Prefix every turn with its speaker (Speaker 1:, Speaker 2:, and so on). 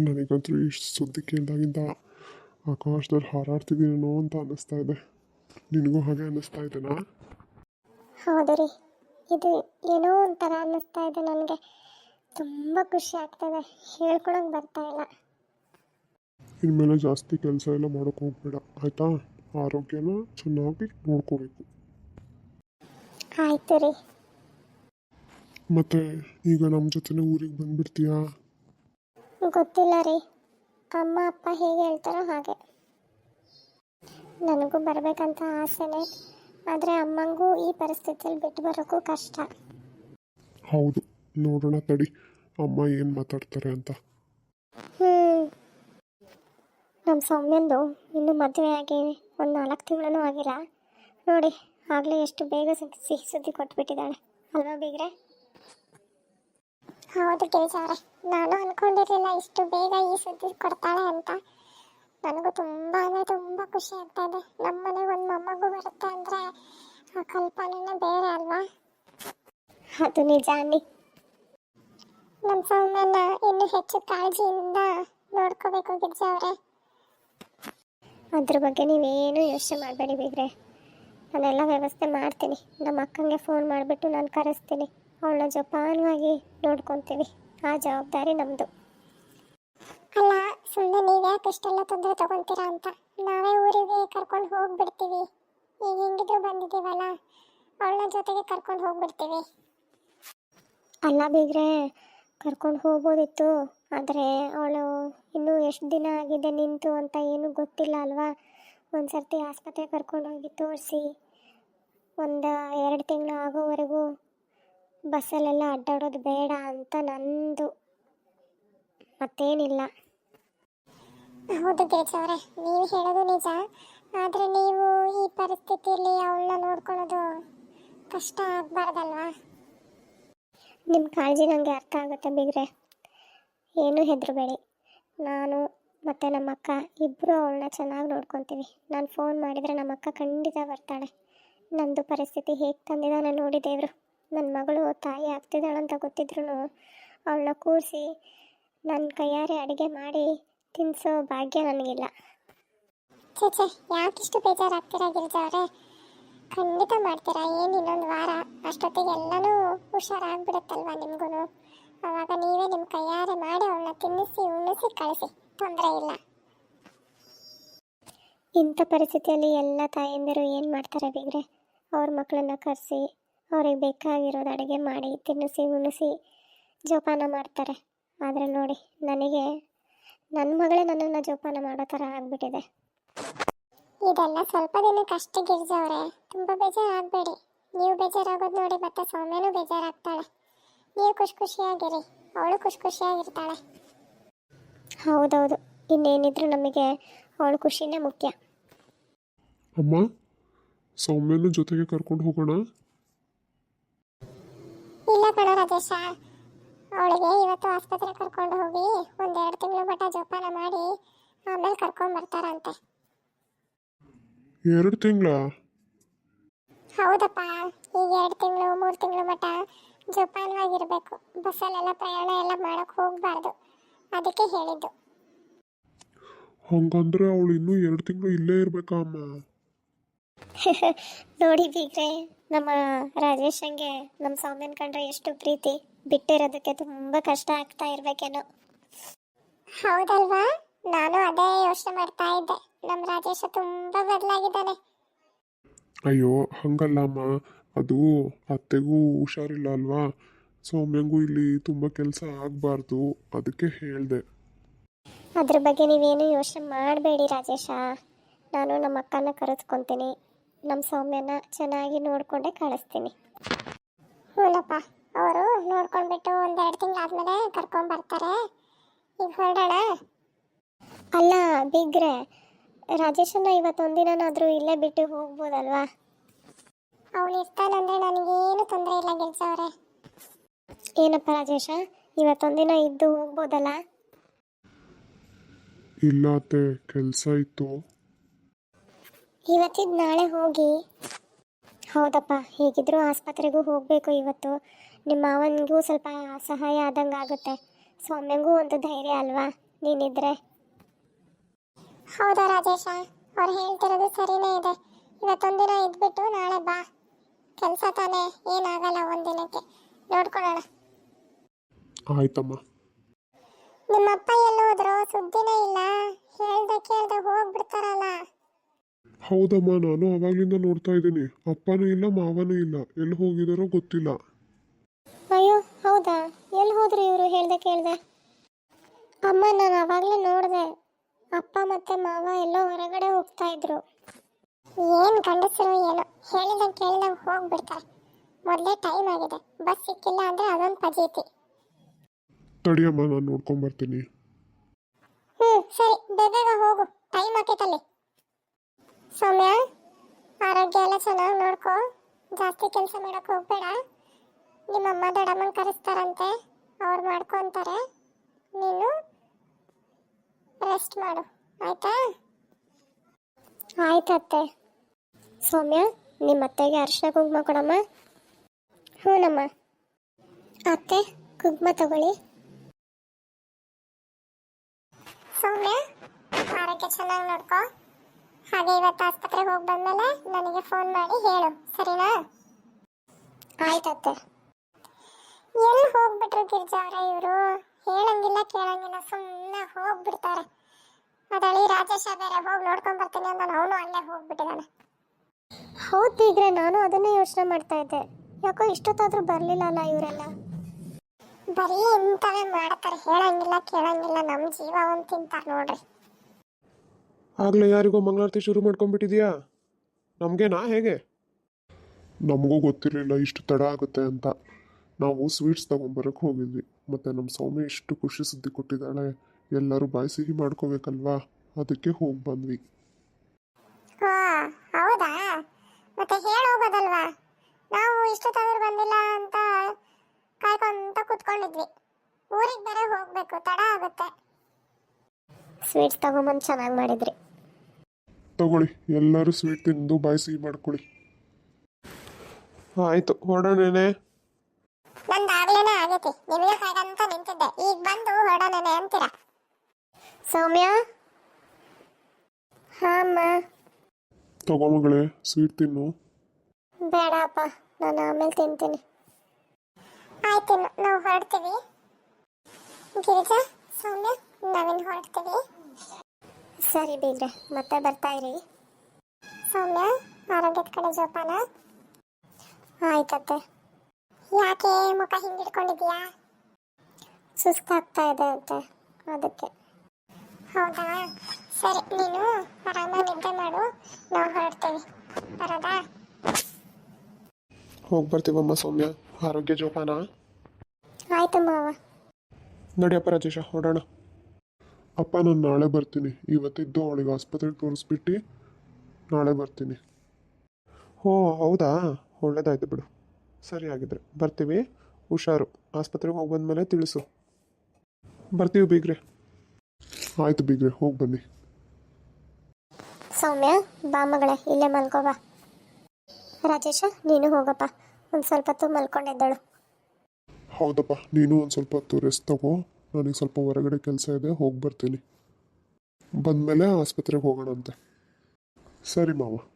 Speaker 1: ನನಗಂತೂ ಇಷ್ಟು ಸುದ್ದಿ ಕೇಳಿದಾಗಿಂದ ಆಕಾಶದಲ್ಲಿ ಹಾರಾಡ್ತಿದ್ದೀನೋ ಅಂತ ಅನ್ನಿಸ್ತಾ ಇದೆ. ನಿನಗೂ ಹಾಗೆ ಅನ್ನಿಸ್ತಾ ಇದೆನಾ?
Speaker 2: ಹೌದು ರೀ, ಇದು ಏನೋ ಒಂಥರ ಅನ್ನಿಸ್ತಾ ಇದೆ ನನಗೆ. ತುಂಬ ಖುಷಿ ಆಗ್ತದೆ, ಹೇಳ್ಕೊಳಕ್ಕೆ ಬರ್ತಾ ಇಲ್ಲ.
Speaker 1: ಇನ್ಮೇಲೆ ಜಾಸ್ತಿ ಕೆಲಸ ಎಲ್ಲ ಮಾಡೋಕ್ಕೆ ಹೋಗ್ಬೇಡ ಆಯಿತಾ? ಆರೋಗ್ಯನ ಚೆನ್ನಾಗಿ ನೋಡ್ಕೋಬೇಕು.
Speaker 2: ಆಯ್ತು ರೀ.
Speaker 1: ಮತ್ತು ಈಗ ನಮ್ಮ ಜೊತೆನೇ ಊರಿಗೆ ಬಂದುಬಿಡ್ತೀಯಾ?
Speaker 2: ಗೊತ್ತಿಲ್ಲ ರೀ, ಅಮ್ಮ ಅಪ್ಪ ಹೇಗೆ ಹೇಳ್ತಾರೋ ಹಾಗೆ. ನನಗೂ ಬರಬೇಕಂತ ಆಸೆನೇ, ಆದರೆ ಅಮ್ಮಂಗೂ ಈ ಪರಿಸ್ಥಿತಿಯಲ್ಲಿ ಬಿಟ್ಟು ಬರೋಕ್ಕೂ ಕಷ್ಟ.
Speaker 1: ಹೌದು, ನೋಡೋಣ ತಡಿ ಅಮ್ಮ ಏನು ಮಾತಾಡ್ತಾರೆ ಅಂತ.
Speaker 2: ನಮ್ಮ ಸೌಮ್ಯಂದು ಇನ್ನೂ ಮದುವೆ ಆಗಿ ಒಂದು 4 ತಿಂಗಳೂ ಆಗಿಲ್ಲ ನೋಡಿ. ಆಗಲೇ ಎಷ್ಟು ಬೇಗ ಸಿಹಿ ಸುದ್ದಿ ಕೊಟ್ಬಿಟ್ಟಿದ್ದಾಳೆ ಅಲ್ವಾ ಬೀಗ್ರೆ? ಹೌದು ಗಿರಿಜಾ ಅವರೇ, ನಾನು ಅಂದ್ಕೊಂಡಿರಲಿಲ್ಲ ಇಷ್ಟು ಬೇಗ ಈ ಸುದ್ದಿ ಕೊಡ್ತಾಳೆ ಅಂತ. ನನಗೂ ತುಂಬ ಅಂದರೆ ತುಂಬ ಖುಷಿ ಆಗ್ತಾ ಇದೆ. ನಮ್ಮ ಮನೆಗೆ ಒಂದು ಮೊಮ್ಮಗು ಬರುತ್ತೆ ಅಂದರೆ ಆ ಕಲ್ಪನೆನೇ ಬೇರೆ ಅಲ್ವಾ? ಅದು ನಿಜ ಅನ್ನಿ. ನಮ್ಮ ಸೌಮ್ಯನ ಇನ್ನೂ ಹೆಚ್ಚು ಕಾಳಜಿಯಿಂದ ನೋಡ್ಕೋಬೇಕು ಗಿರಿಜಾ ಅವರೇ. ಅದ್ರ ಬಗ್ಗೆ ನೀವೇನು ಯೋಚನೆ ಮಾಡಬೇಡಿ ಬೀಗ್ರೆ, ನಾನೆಲ್ಲ ವ್ಯವಸ್ಥೆ ಮಾಡ್ತೀನಿ. ನಮ್ಮ ಅಕ್ಕಂಗೆ ಫೋನ್ ಮಾಡಿಬಿಟ್ಟು ನಾನು ಕರೆಸ್ತೀನಿ, ಅವಳನ್ನ ಜೋಪಾನವಾಗಿ ನೋಡ್ಕೊತೀವಿ. ಆ ಜವಾಬ್ದಾರಿ ನಮ್ಮದು. ಅಲ್ಲ, ಸುಮ್ಮನೆ ನೀವು ಯಾಕೆ ಇಷ್ಟೆಲ್ಲ ತೊಂದರೆ ತಗೊತೀರಾ ಅಂತ. ನಾವೇ ಊರಿಗೆ ಕರ್ಕೊಂಡು ಹೋಗ್ಬಿಡ್ತೀವಿ. ಈಗ ಹೆಂಗಿದ್ರು ಬಂದಿದ್ದೀವಲ್ಲ, ಅವಳನ್ನ ಜೊತೆಗೆ ಕರ್ಕೊಂಡು ಹೋಗ್ಬಿಡ್ತೀವಿ. ಅಲ್ಲ ಬೀಗ್ರೆ, ಕರ್ಕೊಂಡು ಹೋಗ್ಬೋದಿತ್ತು, ಆದರೆ ಅವಳು ಇನ್ನೂ ಎಷ್ಟು ದಿನ ಆಗಿದೆ ನಿಂತು ಅಂತ ಏನೂ ಗೊತ್ತಿಲ್ಲ ಅಲ್ವಾ? ಒಂದು ಸರ್ತಿ ಆಸ್ಪತ್ರೆ ಕರ್ಕೊಂಡು ಹೋಗಿ ತೋರಿಸಿ 1-2 ತಿಂಗಳು ಆಗೋವರೆಗೂ ಬಸ್ಸಲ್ಲೆಲ್ಲ ಅಡ್ಡಾಡೋದು ಬೇಡ ಅಂತ ನಂದು. ಮತ್ತೇನಿಲ್ಲ. ಹೌದು ಗಿರಿಜಾ ಅವರೇ, ನೀವು ಹೇಳೋದು ನಿಜ. ಆದರೆ ನೀವು ಈ ಪರಿಸ್ಥಿತಿಯಲ್ಲಿ ಅವಳನ್ನ ನೋಡ್ಕೊಳ್ಳೋದು ಕಷ್ಟ ಆಗಬಾರ್ದಲ್ವಾ? ನಿಮ್ಮ ಕಾಳಜಿ ನನಗೆ ಅರ್ಥ ಆಗುತ್ತೆ ಬೀಗ್ರೆ, ಏನೂ ಹೆದರಬೇಡಿ. ನಾನು ಮತ್ತು ನಮ್ಮ ಅಕ್ಕ ಇಬ್ಬರು ಅವಳನ್ನ ಚೆನ್ನಾಗಿ ನೋಡ್ಕೊತೀವಿ. ನಾನು ಫೋನ್ ಮಾಡಿದರೆ ನಮ್ಮ ಅಕ್ಕ ಖಂಡಿತ ಬರ್ತಾಳೆ. ನಂದು ಪರಿಸ್ಥಿತಿ ಹೇಗೆ ತಂದಿದ್ದಾನೆ ನೋಡಿ ದೇವರು. ನನ್ನ ಮಗಳು ತಾಯಿ ಆಗ್ತಿದ್ದಾಳಂತ ಗೊತ್ತಿದ್ರು ಅವಳನ್ನ ಕೂರಿಸಿ ನನ್ನ ಕೈಯಾರೆ ಅಡುಗೆ ಮಾಡಿ ತಿನ್ನಿಸೋ ಭಾಗ್ಯ ನನಗಿಲ್ಲ. ಚೇಚೆ, ಯಾಕಿಷ್ಟು ಬೇಜಾರಾಗ್ತೀರಾ ಗಿರಿಜಾ ಅವರೇ? ಖಂಡಿತ ಮಾಡ್ತೀರಾ. ಏನು ಇನ್ನೊಂದು ವಾರ ಅಷ್ಟೊತ್ತಿಗೆ ಎಲ್ಲನೂ ಹುಷಾರಾಗ್ಬಿಡುತ್ತಲ್ವ ನಿಮಗೂ. ಆವಾಗ ನೀವೇ ನಿಮ್ಮ ಕೈಯಾರೆ ಮಾಡಿ ಅವಳನ್ನ ತಿನ್ನಿಸಿ ಉಣಿಸಿ ಕಳಿಸಿ, ತೊಂದರೆ ಇಲ್ಲ. ಇಂಥ ಪರಿಸ್ಥಿತಿಯಲ್ಲಿ ಎಲ್ಲ ತಾಯಂದಿರು ಏನು ಮಾಡ್ತಾರೆ ಬೀಗ್ರೆ? ಅವ್ರ ಮಕ್ಕಳನ್ನ ಕರೆಸಿ ಅವ್ರಿಗೆ ಬೇಕಾಗಿರೋದು ಅಡುಗೆ ಮಾಡಿ ತಿನ್ನಿಸಿ ಉಣಿಸಿ ಜೋಪಾನ ಮಾಡ್ತಾರೆ. ಆದರೆ ನೋಡಿ, ನನಗೆ ನನ್ನ ಮಗಳೇ ನನ್ನನ್ನು ಜೋಪಾನ ಮಾಡೋ ಥರ ಆಗಿಬಿಟ್ಟಿದೆ. ಇದೆಲ್ಲ ಸ್ವಲ್ಪ ದಿನಕ್ಕೆ ಅಷ್ಟೇ ಗಿರಿಜಾ ಅವರೇ, ತುಂಬ ಬೇಜಾರಾಗಬೇಡಿ. ನೀವು ಬೇಜಾರಾಗೋದು ನೋಡಿ ಮತ್ತೆ ಸೌಮ್ಯನೂ ಬೇಜಾರಾಗ್ತಾಳೆ. ನೀವು ಖುಷಿಯಾಗಿರಿ, ಅವಳು ಖುಷಿಯಾಗಿರ್ತಾಳೆ. ಹೌದೌದು, ಇನ್ನೇನಿದ್ರು ನಮಗೆ ಅವಳು ಖುಷಿನೇ ಮುಖ್ಯ.
Speaker 1: ಅಮ್ಮ, ಸೌಮ್ಯನ ಜೊತೆಗೆ ಕರ್ಕೊಂಡು ಹೋಗೋಣ?
Speaker 2: ಇಲ್ಲ ಕಣ ರಾಜೇಶ, ಅವಳಿಗೆ ಇವತ್ತು ಆಸ್ಪತ್ರೆ ಕರ್ಕೊಂಡು ಹೋಗಿ 1-2 ತಿಂಗಳು ಮಟ್ಟ ಜೋಪಾನ ಮಾಡಿ ಆಮೇಲೆ ಕರ್ಕೊಂಡು ಬರ್ತಾರಂತೆ.
Speaker 1: 2 ತಿಂಗಳ?
Speaker 2: ಹೌದಪ್ಪ, ಈಗ 2 ತಿಂಗಳು 3 ತಿಂಗಳು ಮಟ್ಟ ಜೋಪಾನವಾಗಿರ್ಬೇಕು. ಬಸ್ಸಲ್ಲೆಲ್ಲ ಪ್ರಯಾಣ ಎಲ್ಲ ಮಾಡಕ್ಕೆ ಹೋಗಬಾರ್ದು, ಅದಕ್ಕೆ ಹೇಳಿದ್ದು.
Speaker 1: ಹಂಗಂದ್ರೆ ಅವಳು ಇನ್ನೂ 2 ತಿಂಗಳು ಇಲ್ಲೇ ಇರ್ಬೇಕಾ ಅಮ್ಮ?
Speaker 2: ನೋಡಿ ಬೀಗ್ರೆ, ನಮ್ಮ ರಾಜೇಶಂಗೆ ನಮ್ಮ ಸೌಮ್ಯನ್ ಕಂಡ್ರೆ ಎಷ್ಟು ಪ್ರೀತಿ. ಬಿಟ್ಟಿರೋದಕ್ಕೆ ತುಂಬ ಕಷ್ಟ ಆಗ್ತಾ ಇರ್ಬೇಕೇನೋ. ಹೌದಲ್ವಾ? ನಾನು ಅದೇ ಯೋಚನೆ ಮಾಡ್ತಾ ಇದ್ದೆ. ನಮ್ಮ ರಾಜೇಶ ತುಂಬ ಬದಲಾಗಿದ್ದಾನೆ.
Speaker 1: ಅಯ್ಯೋ ಹಂಗಲ್ಲ ಅಮ್ಮ, ಅದು ಅತ್ತೆಗೂ ಹುಷಾರಿಲ್ಲ ಅಲ್ವಾ? ಸೌಮ್ಯಂಗೂ ಇಲ್ಲಿ ತುಂಬ ಕೆಲಸ ಆಗಬಾರ್ದು, ಅದಕ್ಕೆ ಹೇಳಿದೆ.
Speaker 2: ಅದ್ರ ಬಗ್ಗೆ ನೀವೇನು ಯೋಚನೆ ಮಾಡಬೇಡಿ ರಾಜೇಶ. ನಾನು ನಮ್ಮ ಅಕ್ಕನ ಕರೆಸ್ಕೊತೀನಿ, ನಮ್ಮ ಸೌಮ್ಯನ ಚೆನ್ನಾಗಿ ನೋಡಿಕೊಂಡೇ ಕಳಿಸ್ತೀನಿ. ಹ್ಞೂನಪ್ಪ, ಅವರು ನೋಡ್ಕೊಂಡ್ಬಿಟ್ಟು 1-2 ತಿಂಗಳಾದ್ಮೇಲೆ ಕರ್ಕೊಂಡ್ಬರ್ತಾರೆ. ಈಗ ಹೊರಡೋಣ? ಅಲ್ಲ ಬಿಗ್ರೆ, ರಾಜೇಶನ್ನ ಇವತ್ತೊಂದಿನಾದ್ರೂ ಇಲ್ಲೇ ಬಿಟ್ಟು ಹೋಗ್ಬೋದಲ್ವಾ? ಅವನು ಇರ್ತಾನಂದ್ರೆ ನನಗೇನು ತೊಂದರೆ ಇಲ್ಲ ಗಿರಿಜಾ ಅವರೇ. ಏನಪ್ಪ ರಾಜೇಶ, ಇವತ್ತೊಂದಿನ ಇದ್ದು ಹೋಗ್ಬೋದಲ್ಲ?
Speaker 1: ಇಲ್ಲ ಅತ್ತೆ, ಕೆಲಸ ಇತ್ತು.
Speaker 2: ಇವತ್ತಿದ್ದು ನಾಳೆ ಹೋಗಿ. ಹೌದಪ್ಪ, ಹೇಗಿದ್ರೂ ಆಸ್ಪತ್ರೆಗೂ ಹೋಗಬೇಕು ಇವತ್ತು. ನಿಮ್ಮ ಮಾವನಿಗೂ ಸ್ವಲ್ಪ ಸಹಾಯ ಆದಂಗೆ ಆಗುತ್ತೆ, ಸೌಮ್ಯಂಗೂ ಒಂದು ಧೈರ್ಯ ಅಲ್ವಾ? ನೀನಿದ್ರೆ. ಹೌದಾ ರಾಜೇಶ, ಅವ್ರು ಹೇಳ್ತಿರೋದು ಸರಿನೇ ಇದೆ. ಇವತ್ತೊಂದಿನ ಇದ್ಬಿಟ್ಟು ನಾಳೆ ಬಾ. ಕೆಲಸ ತಾನೇ, ಏನಾಗಲ್ಲ ಒಂದಿನಕ್ಕೆ, ನೋಡ್ಕೊಳ್ಳೋಣ.
Speaker 1: ಆಯ್ತಮ್ಮ.
Speaker 2: ನಿಮ್ಮಪ್ಪ ಎಲ್ಲಿ ಹೋದ್ರು? ಸುದ್ದಿನೇ ಇಲ್ಲ. ಹೇಳ್ದೆ ಕೇಳ್ದೆ ಹೋಗ್ಬಿಡ್ತಾರಲ್ಲ.
Speaker 1: ಹೌದಮ್ಮ, ನಾನು ಅವಾಗ್ಲಿಂದ ನೋಡ್ತಾ ಇದ್ದೀನಿ. ಅಪ್ಪನೂ ಇಲ್ಲ ಮಾವನೂ ಇಲ್ಲ, ಎಲ್ಲಿ ಹೋಗಿದಾರೋ ಗೊತ್ತಿಲ್ಲ.
Speaker 2: ಅಯ್ಯೋ ಹೌದಾ, ಎಲ್ಲಿ ಹೋದ್ರು ಇವರು ಹೇಳ್ದೆ ಕೇಳ್ದೆ? ಅಮ್ಮ, ನಾನು ಅವಾಗಲೇ ನೋಡಿದೆ, ಅಪ್ಪ ಮತ್ತೆ ಮಾವ ಎಲ್ಲೋ ಹೊರಗಡೆ ಹೋಗ್ತಾ ಇದ್ರು. ಏನು ಗಂಡಸರು ಏನು, ಹೇಳಿದಂಗೆ ಕೇಳಿದಂಗೆ ಹೋಗ್ಬಿಡ್ತಾರೆ. ಮೊದಲೇ ಟೈಮ್ ಆಗಿದೆ, ಬಸ್ ಸಿಕ್ಕಿಲ್ಲ ಅಂದ್ರೆ ಅದೊಂದು ಪಜೀತಿ.
Speaker 1: ತಡಿಯಮ್ಮ, ನಾನು ನೋಡ್ಕೊಂಬರ್ತೀನಿ.
Speaker 2: ಸರಿ, ಬೇಗ ಹೋಗು, ಟೈಮ್ ಆಕೈತಲ್ಲಿ. ಸೌಮ್ಯ, ಆರೋಗ್ಯ ಎಲ್ಲ ಚೆನ್ನಾಗಿ ನೋಡ್ಕೊ, ಜಾಸ್ತಿ ಕೆಲಸ ಮಾಡಕ್ ಹೋಗ್ಬೇಡ. ನಿಮ್ಮಮ್ಮ ದೊಡ್ಡಮ್ಮನ ಕರೆಸ್ತಾರಂತೆ, ಅವ್ರು ಮಾಡ್ಕೊಂತಾರೆ. ನೀನು ರೆಸ್ಟ್ ಮಾಡು, ಆಯ್ತಾ? ಆಯ್ತತ್ತೆ. ಸೌಮ್ಯ, ನಿಮ್ಮ ಅತ್ತೆಗೆ ಅರಿಶಿನ ಕುಂಕುಮ ಕೊಡಮ್ಮ. ಹ್ಞೂನಮ್ಮ. ಅತ್ತೆ, ಕುಂಕುಮ ತಗೊಳ್ಳಿ. ಸೌಮ್ಯ, ಆರೋಗ್ಯ ಚೆನ್ನಾಗಿ ನೋಡ್ಕೊ. ಹಾಗೆ ಇವತ್ತು ಆಸ್ಪತ್ರೆಗೆ ಹೋಗಿ ಬಂದ್ಮೇಲೆ ನನಗೆ ಫೋನ್ ಮಾಡಿ ಹೇಳು, ಸರಿನಾ? ಆಯ್ತತ್ತೆ. ಎಲ್ಲಿ ಹೋಗ್ಬಿಟ್ರು ಗಿರ್ಜಾ ಅವರೇ ಇವರು? ಹೇಳಂಗಿಲ್ಲ ಕೇಳಂಗಿಲ್ಲ, ಸುಮ್ಮನೆ ಹೋಗ್ಬಿಡ್ತಾರೆ. ಅದಳಿ ರಾಜೇಶ ಬೇರೆ ಹೋಗಿ ನೋಡ್ಕೊಂಡ್ ಬರ್ತೀನಿ ಅಂತ ಅವನು ಅಲ್ಲೇ ಹೋಗ್ಬಿಟ್ಟಿದ್ದಾನೆ. ಹೌದಿದ್ರೆ ನಾನು ಅದನ್ನೇ ಯೋಚನೆ ಮಾಡ್ತಾ ಇದ್ದೆ, ಯಾಕೋ ಇಷ್ಟೊತ್ತಾದ್ರೂ ಬರಲಿಲ್ಲ ಅಲ್ಲ ಇವರೆಲ್ಲ. ಬರೀ ಇಂಥವೇ ಮಾಡ್ತಾರೆ, ಹೇಳಂಗಿಲ್ಲ ಕೇಳಂಗಿಲ್ಲ, ನಮ್ಮ ಜೀವ ಒಂದು ತಿಂತಾರೆ ನೋಡ್ರಿ.
Speaker 1: ಆಗ್ಲೇ ಯಾರಿಗೋ ಮಂಗಳಾರತಿ ಶುರು ಮಾಡ್ಕೊಂಡ್ಬಿಟ್ಟಿದ್ಯಾ? ನಮಗೇನಾ ಹೇಗೆ? ನಮಗೂ ಗೊತ್ತಿರಲಿಲ್ಲ ಇಷ್ಟು ತಡ ಆಗುತ್ತೆ ಅಂತ. ನಾವು ಸ್ವೀಟ್ಸ್ ತಗೊಂಬರಕ್ಕೆ ಹೋಗಿದ್ವಿ, ಮತ್ತು ನಮ್ಮ ಸೌಮ್ಯ ಇಷ್ಟು ಖುಷಿ ಸುದ್ದಿ ಕೊಟ್ಟಿದ್ದಾಳೆ, ಎಲ್ಲರೂ ಬಾಯಿ ಸಿಹಿ ಮಾಡ್ಕೋಬೇಕಲ್ವಾ, ಅದಕ್ಕೆ ಹೋಗಿ ಬಂದ್ವಿ.
Speaker 2: ಹೌದಾ, ಮತ್ತೆ ಹೇಳೋಗೋದಲ್ವಾ? ನಾವು ಇಷ್ಟೊತ್ತಾದ್ರೂ ಬಂದಿಲ್ಲ ಅಂತ ಕಾಯ್ಕೊಂತ ಕೂತ್ಕೊಂಡಿದ್ವಿ. ಊರಿಗೆ ಬೇರೆ ಹೋಗ್ಬೇಕು, ತಡ ಆಗುತ್ತೆ. ಸ್ವೀಟ್ಸ್ ತಗೊಂಬಂದು ಚೆನ್ನಾಗಿ ಮಾಡಿದ್ರಿ.
Speaker 1: ತಗೊಳ್ಳಿ, ಎಲ್ಲರೂ ಸ್ವೀಟ್ ತಿಂದು ಬಾಯಿ ಸಿಹಿ ಮಾಡ್ಕೊಳ್ಳಿ. ಆಯಿತು, ಹೊರಡೋಣೇನೆ.
Speaker 2: ನಂದಾಗ್ಲೇನೆ ಆಗೈತಿ, ನಿಮಗೆ ಕಾಯ್ದಂತ ನಿಂತಿದ್ದೆ, ಈಗ ಬಂದು ಹೊರಡೋಣೇನೆ ಅಂತೀರಾ? ಸೌಮ್ಯ. ಹಾ ಅಮ್ಮ.
Speaker 1: ತಗೋ ಮಗಳೇ, ಸ್ವೀಟ್ ತಿನ್ನು.
Speaker 2: ಬೇಡಪ್ಪ, ನಾನು ಆಮೇಲೆ ತಿಂತೀನಿ. ಆಯ್ತು, ನಾವು ಹೊರಡ್ತೀವಿ. ಗಿರಿಜಾ, ಸೌಮ್ಯ, ನಾವಿನ್ನು ಹೊರಡ್ತೀವಿ. ಸರಿ ಬೀಗ್ರೆ, ಮತ್ತೆ ಬರ್ತಾ ಇರಿ. ಸೌಮ್ಯ, ಆರೋಗ್ಯದ ಕಡೆ ಜೋಪಾನ. ಆಯ್ತತ್ತೆ. ಯಾಕೆ ಮುಖ ಹಿಂಗಿಡ್ಕೊಂಡಿದ್ಯಾ? ಸುಸ್ತಾಗ್ತಾ ಇದೆ ಅಂತೆ, ಅದಕ್ಕೆ. ಹೌದಾ, ಸರಿ, ನೀನು ಆರಾಮಾಗಿ ನಿದ್ದೆ ಮಾಡು, ನಾವು ಹೊರಡ್ತೀವಿ. ಬರೋದಾ?
Speaker 1: ಹೋಗಿ ಬರ್ತೀವಮ್ಮ ಸೌಮ್ಯ, ಆರೋಗ್ಯ ಜೋಪಾನ.
Speaker 2: ಆಯ್ತು ಮಾವ.
Speaker 1: ನಡಿಯಪ್ಪ ರಾಜೇಶ, ಹೊರಡೋಣ. ಅಪ್ಪ, ನಾನು ನಾಳೆ ಬರ್ತೀನಿ. ಇವತ್ತಿದ್ದು ಅವಳಿಗೆ ಆಸ್ಪತ್ರೆಗೆ ತೋರಿಸ್ಬಿಟ್ಟು ನಾಳೆ ಬರ್ತೀನಿ. ಹೋ ಹೌದಾ, ಒಳ್ಳೇದಾಯ್ತು ಬಿಡು. ಸರಿ, ಆಗಿದ್ರೆ ಬರ್ತೀವಿ. ಹುಷಾರು, ಆಸ್ಪತ್ರೆಗೆ ಹೋಗಿ ಬಂದಮೇಲೆ ತಿಳಿಸು. ಬರ್ತೀವಿ ಬೀಗ್ರೆ. ಆಯಿತು ಬೀಗ್ರೆ, ಹೋಗಿ ಬನ್ನಿ.
Speaker 2: ಸೌಮ್ಯ, ಬಾ ಮಗಳೇ, ಇಲ್ಲೇ ಮಲ್ಕೋಬಾ. ರಾಜೇಶ, ನೀನು ಹೋಗಪ್ಪ, ಒಂದು ಸ್ವಲ್ಪ ಹೊತ್ತು ಮಲ್ಕೊಂಡಿದ್ದಳು.
Speaker 1: ಹೌದಪ್ಪ, ನೀನು ಒಂದು ಸ್ವಲ್ಪ ಹೊತ್ತು ರೆಸ್ಟ್ ತಗೋ. ನನಗೆ ಸ್ವಲ್ಪ ಹೊರಗಡೆ ಕೆಲಸ ಇದೆ, ಹೋಗಿ ಬರ್ತೀನಿ. ಬಂದಮೇಲೆ ಆಸ್ಪತ್ರೆಗೆ ಹೋಗೋಣಂತೆ. ಸರಿ ಮಾವ.